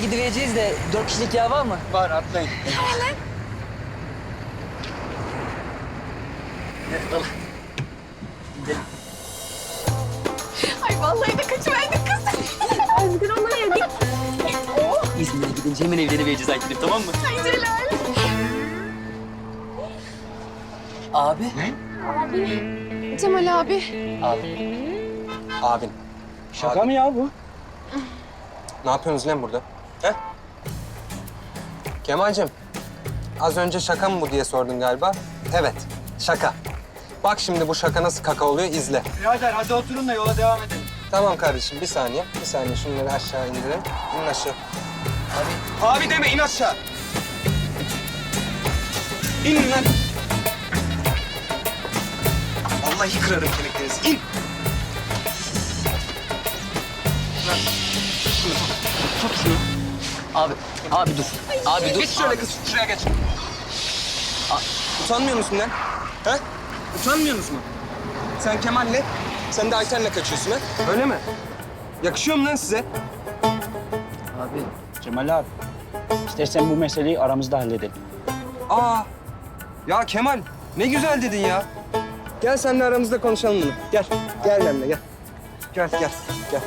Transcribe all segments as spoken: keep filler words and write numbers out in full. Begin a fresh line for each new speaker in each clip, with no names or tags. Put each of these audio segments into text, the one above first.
gidivereceğiz de dört kişilik yer var mı?
Var, atlayın.
Ay vallahi de kaçıverdik kız. Özgür olaydık. Oh,
İzmir'e gidince hemen evlenivereceğiz Aytenim, tamam mı?
ay Celal.
Abi.
Cemal abi.
Abi.
Abin.
Şaka mı ya bu?
Ne yapıyorsunuz lan burada? He? Kemal'cim, az önce şaka mı bu diye sordun galiba. Evet, şaka. Bak şimdi bu şaka nasıl kaka oluyor, izle.
Birader hadi oturun da yola devam edelim.
Tamam kardeşim, bir saniye. Bir saniye, şunları aşağı indirin. İnin aşağı. Abi. Abi deme, in aşağı. İn lan. Vallahi kırarım kemiklerinizi. İn. Lan, şunu tut. Tut şunu.
Abi, abi dur. Abi dur.
Geç şöyle
Abi.
kız, şuraya geç. Utanmıyor musun lan? Ha? Utanmıyor musun? Sen Kemal'le, sen de Ayten'le kaçıyorsun ha? Öyle mi? Yakışıyor mu lan size?
Abi.
Cemal abi, istersen bu meseleyi aramızda halledelim.
Aa, ya Kemal ne güzel dedin ya. Gel seninle aramızda konuşalım bunu. Gel, gel benimle gel. Gel, gel, gel.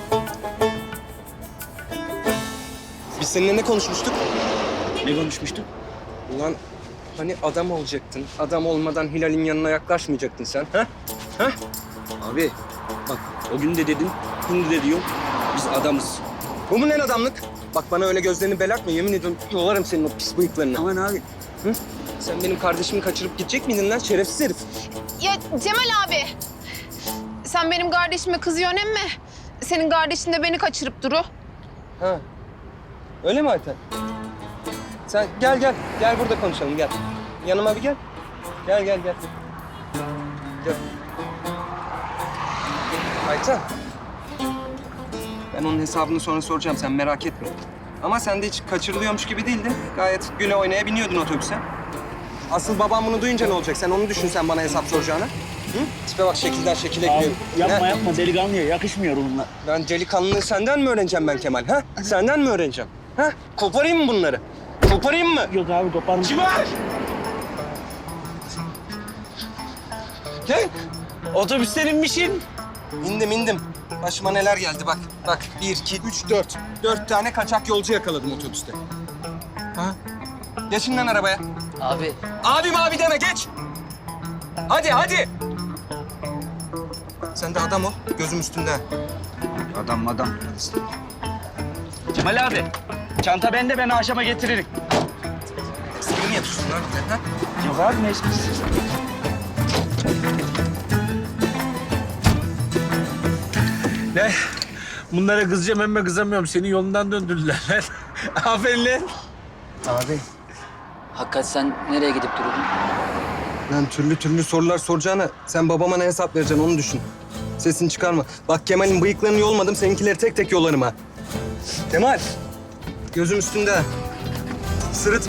Biz seninle ne konuşmuştuk?
Ne konuşmuştuk?
Ulan hani adam olacaktın. Adam olmadan Hilal'in yanına yaklaşmayacaktın sen. Ha? Ha?
Abi bak o gün de dedin, şimdi de diyorum. Biz adamız.
Bu mu lan adamlık? Bak bana öyle gözlerini belertme. Yemin ediyorum yolarım senin o pis bıyıklarını.
Aman abi.
Hı? Sen benim kardeşimi kaçırıp gidecek miydin lan şerefsiz herif?
Ya Cemal abi. Sen benim kardeşime kızıyorsun emmi. Senin kardeşin de beni kaçırıp duru.
Ha. Öyle mi Ayten? Sen gel gel. Gel burada konuşalım gel. Yanıma bir gel. Gel gel gel. Gel. Ayten. Ben onun hesabını sonra soracağım. Sen merak etme. Ama sen de hiç kaçırılıyormuş gibi değildin. Gayet güle oynaya biniyordun otobüse. Asıl babam bunu duyunca ne olacak? Sen onu düşün sen bana hesap soracağına. Hı? Tipe bak şekilden şekile
Abi,
giriyor.
yapma
Ha?
yapma delikanlıya yakışmıyor bunlar.
Ben delikanlılığı senden mi öğreneceğim ben Kemal? Ha? Senden mi öğreneceğim? Ha? Koparayım mı bunları? Koparayım mı?
Yok abi koparma.
Civar! Gel.
Otobüsten inmişsin.
İndim indim. Başıma neler geldi bak. Bak bir, iki, üç, dört. Dört tane kaçak yolcu yakaladım otobüste. Ha? Geçin lan arabaya.
Abi.
Abim abi deme geç. Hadi hadi. Sen de adam ol. Gözüm üstünde.
Adam adam. Cemal abi, çanta bende, ben akşama getiririm.
Seni mi yapıyorsun lan bir de, ha?
Yok abi ne esprisi?
Ne? Bunlara kızacağım ama kızamıyorum. Seni yolundan döndürdüler. Aferin lan.
Abi.
Hakikat sen nereye gidip duruyordun?
Lan türlü türlü sorular soracağına sen babama ne hesap vereceksin onu düşün. Sesini çıkarma. Bak Kemal'in bıyıklarını yolmadım, seninkileri tek tek yolarım ha. Kemal, gözüm üstünde. Sırıt.